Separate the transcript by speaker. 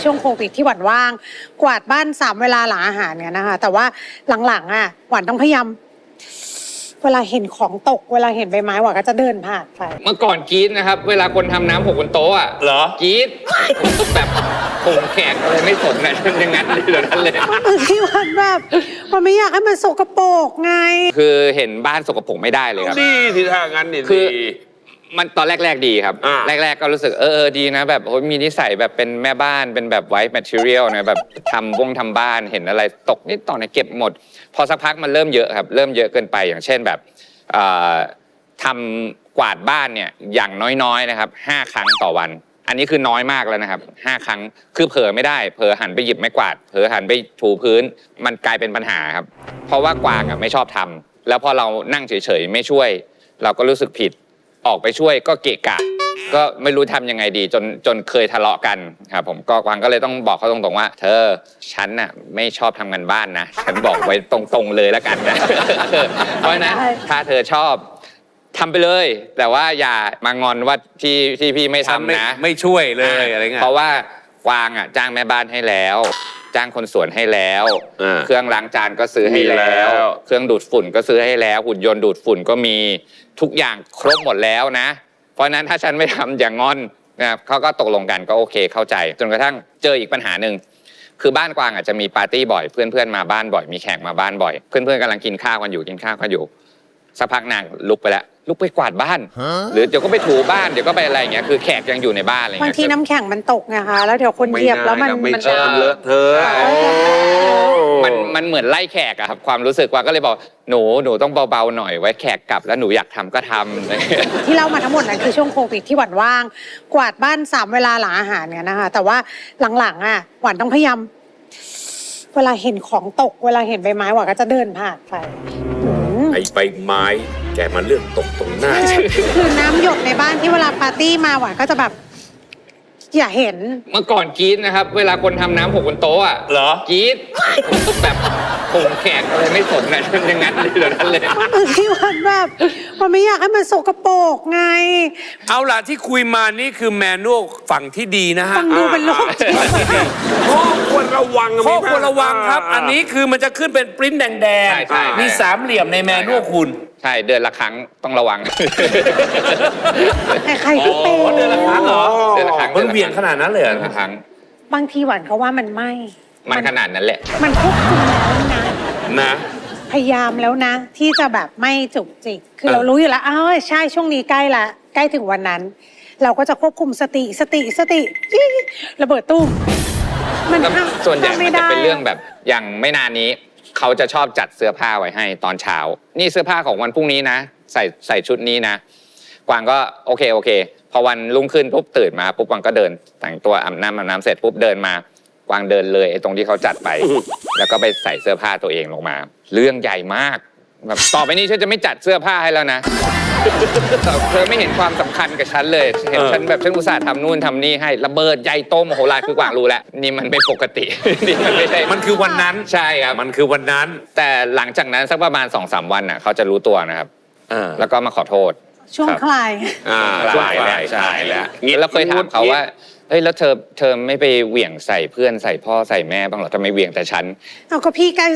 Speaker 1: ช่วงโควิดที่หวานว่างกวาดบ้าน3เวลาหลังอาหารเนี่ยนะคะแต่ว่าหลังๆหวานต้องพยายามเวลาเห็นของตกเวลาเห็นใบไม้หวานก็จะเดินผ่านไป
Speaker 2: เมื่อก่อนกรี๊ดนะครับเวลาคนทำน้ำหกบนโต๊ะอ่ะ
Speaker 3: เหรอก
Speaker 2: รี๊ดแบบผมแขกอะไรไม่สนนะอย่างนั้นเลยเดี๋ยวนั้นเลย
Speaker 1: ที่หวานแบบหวานไม่อยากให้มันสกปรกไง
Speaker 2: คือเห็นบ้านสกปรกไม่ได้เลยครับ
Speaker 3: ดีที่ทางนั้นนี่
Speaker 2: คือมันตอนแรกๆดีครับแรกๆก็รู้สึกดีนะแบบมีนิสัยแบบเป็นแม่บ้านเป็นแบบไวท์แมทเทียลนะแบบทำบ้านเห็นอะไรตกนิดต่อหน่อยเก็บหมดพอสักพักมันเริ่มเยอะครับเริ่มเยอะเกินไปอย่างเช่นแบบทำกวาดบ้านเนี่ยอย่างน้อยๆนะครับ5 ครั้งต่อวันอันนี้คือน้อยมากแล้วนะครับ5 ครั้งคือเผลอไม่ได้เผลอหันไปหยิบไม้กวาดเผลอหันไปถูพื้นมันกลายเป็นปัญหาครับเพราะว่ากวางไม่ชอบทำแล้วพอเรานั่งเฉยๆไม่ช่วยเราก็รู้สึกผิดออกไปช่วยก็เกะกะก็ไม่รู้ทำยังไงดีจนเคยทะเลาะกันครับผมก็กวางก็เลยต้องบอกเขาตรงๆว่าเธอฉันน่ะไม่ชอบทำงานบ้านนะฉันบอกไว้ตรงๆเลยแล้วกันนะเพราะนะถ้าเธอชอบทำไปเลยแต่ว่าอย่ามางอนว่าที่พี่ไม่ทำนะ
Speaker 3: ไม่ช่วยเลยอะไรเงี้ย
Speaker 2: เพราะว่ากวางจ้างแม่บ้านให้แล้วจ้างคนสวนให้แล้วเครื่องล้างจานก็ซื้อให้แล้วเครื่องดูดฝุ่นก็ซื้อให้แล้วหุ่นยนต์ดูดฝุ่นก็มีทุกอย่างครบหมดแล้วนะเพราะนั้นถ้าฉันไม่ทำอย่างงอนนะครับเขาก็ตกลงกันก็โอเคเข้าใจจนกระทั่งเจออีกปัญหาหนึ่งคือบ้านกวางจะมีปาร์ตี้บ่อยเพื่อนๆมาบ้านบ่อยมีแขกมาบ้านบ่อยเพื่อนๆกำลังกินข้าวกันอยู่สักพักนางลุกไปแล้วลุกไปกวาดบ้านหรือเดี๋ยวก็ไปถูบ้านเดี๋ยวก็ไปอะไรอย่างเงี้ยคือแขกยังอยู่ในบ้านอะไรเงี้ย
Speaker 1: บางทีน้ำแข็งมันตกไงคะแล้วเดี๋ยวคนเหยียบแล้วมัน
Speaker 3: เลอะเทอะ
Speaker 2: มันเหมือนไล่แขกอะครับความรู้สึกว่าก็เลยบอกหนูต้องเบาๆหน่อยไว้แขกกลับแล้วหนูอยากทำก็ทำ
Speaker 1: ที่เล่ามาทั้งหมดนั้นคือช่วงโควิดที่หวานว่างกวาดบ้าน3เวลาหลังอาหารเนี่ยนะคะแต่ว่าหลังๆหวานต้องพยายามเวลาเห็นของตกเวลาเห็นใบไม้หวานก็จะเดินผ่านไป
Speaker 3: ไอ้ใบไม้แกมาเรื่องตกตรงหน้า
Speaker 1: คือน้ำหยดในบ้านที่เวลาปาร์ตี้มาหวานก็จะแบบอย่าเห็น
Speaker 2: เมื่อก่อนกรี๊ดนะครับเวลาคนทำน้ำหกบนโต๊ะอ่ะ
Speaker 3: เหรอก
Speaker 2: รี๊ดแบบผมแขกอะไรไม่สนนะอย่างนั้นเลยเดี๋ยวนั้นเลย
Speaker 1: ที่หวานแบบหวานไม่อยากให้มันสกปรกไง
Speaker 3: เอาล่ะที่คุยมานี่คือแมนนวลฝั่งที่ดีนะฮะ
Speaker 1: ฟังดูเป็นโรคจิต
Speaker 3: ข้อควรระวังครับอันนี้คือมันจะขึ้นเป็นปริ้นแดงๆมี3 เหลี่ยมในแมนนวลคุณ
Speaker 2: ใช่เดือนละครั้งต้องระวัง
Speaker 1: ใครที่เป็น
Speaker 3: เดือนละครั้งเหรอ
Speaker 2: เดือนละครั้ง
Speaker 3: มันเวียนขนาดนั้นเลย
Speaker 2: ละครั้ง
Speaker 1: บางทีหวานเขาว่ามันไม่
Speaker 2: มันขนาดนั้นแหละ
Speaker 1: มันควบคุมแล้ว
Speaker 3: นะ
Speaker 1: พยายามแล้วนะที่จะแบบไม่จุกจิกคือเรารู้อยู่แล้วใช่ช่วงนี้ใกล้ถึงวันนั้นเราก็จะควบคุมสติระเบิดตู้มัน
Speaker 2: ส่วนใหญ่มันจะเป็นเรื่องแบบอย่างไม่นานนี้เขาจะชอบจัดเสื้อผ้าไว้ให้ตอนเช้านี่เสื้อผ้าของวันพรุ่งนี้นะใส่ชุดนี้นะกวางก็โอเคพอวันรุ่งขึ้นปุ๊บตื่นมาปุ๊บกวางก็เดินแต่งตัวอาบน้ำเสร็จปุ๊บเดินมากวางเดินเลยตรงที่เขาจัดไปแล้วก็ไปใส่เสื้อผ้าตัวเองลงมาเรื่องใหญ่มากแบบต่อไปนี้ฉันจะไม่จัดเสื้อผ้าให้แล้วนะเธอไม่เห็นความสำคัญกับฉันเลยเห็นฉันแบบฉันอุตส่าห์ทำนู่นทำนี่ให้ระเบิดใหญ่โตมโหฬารคือกวางรู้แล้วนี่มันไม่ปกตินี่มันไม่ใช่
Speaker 3: มันคือวันนั้น
Speaker 2: ใช่ครับ
Speaker 3: มันคือวันนั้น
Speaker 2: แต่หลังจากนั้นสักประมาณ 2-3 วันเขาจะรู้ตัวนะครับแล้วก็มาขอโทษ
Speaker 1: ช่วงคลาย
Speaker 2: ใช่แล้วเคยถามเขาว่าเฮ้ยแล้วเธอไม่ไปเหวี่ยงใส่เพื่อนใส่พ่อใส่แม่บ้างหรอทำไมเหวี่ยงแต่ฉัน
Speaker 1: เอาก็พี่ใกล้